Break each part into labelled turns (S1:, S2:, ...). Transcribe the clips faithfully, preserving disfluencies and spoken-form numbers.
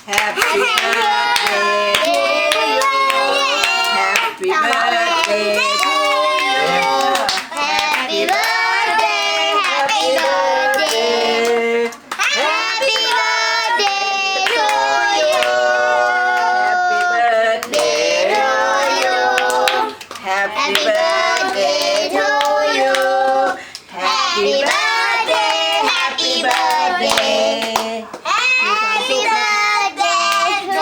S1: Happy birthday to you. Happy birthday to you.
S2: Happy birthday, happy birthday, happy birthday to you.
S1: Happy birthday to you. Happy birthday to you. Happy birthday, happy birthday.
S2: Happy birthday to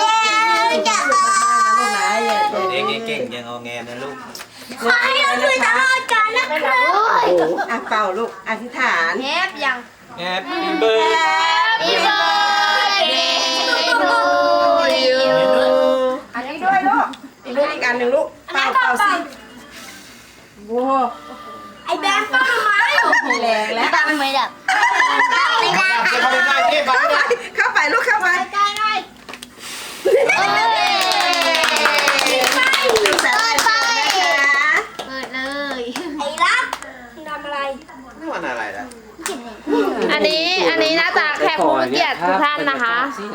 S2: you.
S3: เด็กเก่งๆยังเอาแงนะลูก
S2: ขอให้เราคุยตลอดกาลนะครับ
S1: โอ้อ่ะเป่าลูกอธิษฐาน
S2: แฮปยัง
S3: Happy birthday
S2: Happy birthday to you
S1: อันนี้ด้วยลูกอีกลูกอีกอันหนึ่งลูกเป่าเป่าสิโว้
S2: ไอ้แบงค์ป้าทำไม
S1: มีแรงแล้ว
S2: ป้ามันไม่ดับไม่ได้
S3: เข้าไปได้ที่บ้าน
S1: เข้าไปลูกเข้าไป
S2: ใกล้ได้เอ้ยไป
S1: ลูกสาว
S2: ไป
S1: นะคะ
S2: เปิดเลยไอ้รักทำอะไร
S3: นี่วันอะไรล่ะ
S4: อันนี้อันนี้น่าจะแขกผู้มีเกียรติทุกท่านนะคะ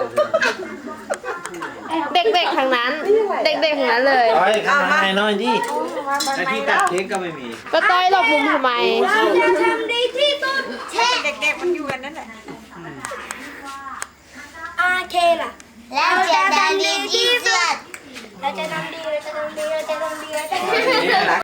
S4: เด็กๆทั้งนั้น เด็กๆทั้งนั้นเลย
S3: เฮ้ยข้างในหน่อยดิไอ้ที่ตัดเค้กก็ไม่มี
S4: ก็ต้อยหลบมุมทำไม
S2: เราจะทำดีที่สุดเช่
S1: เด็กๆมันอยู่กันนั่นแหละ
S2: อาเคล่ะเราจะทำดีที่สุดเราจะทำดีเราจะทำดีเราจะทำดีเราจะทำดี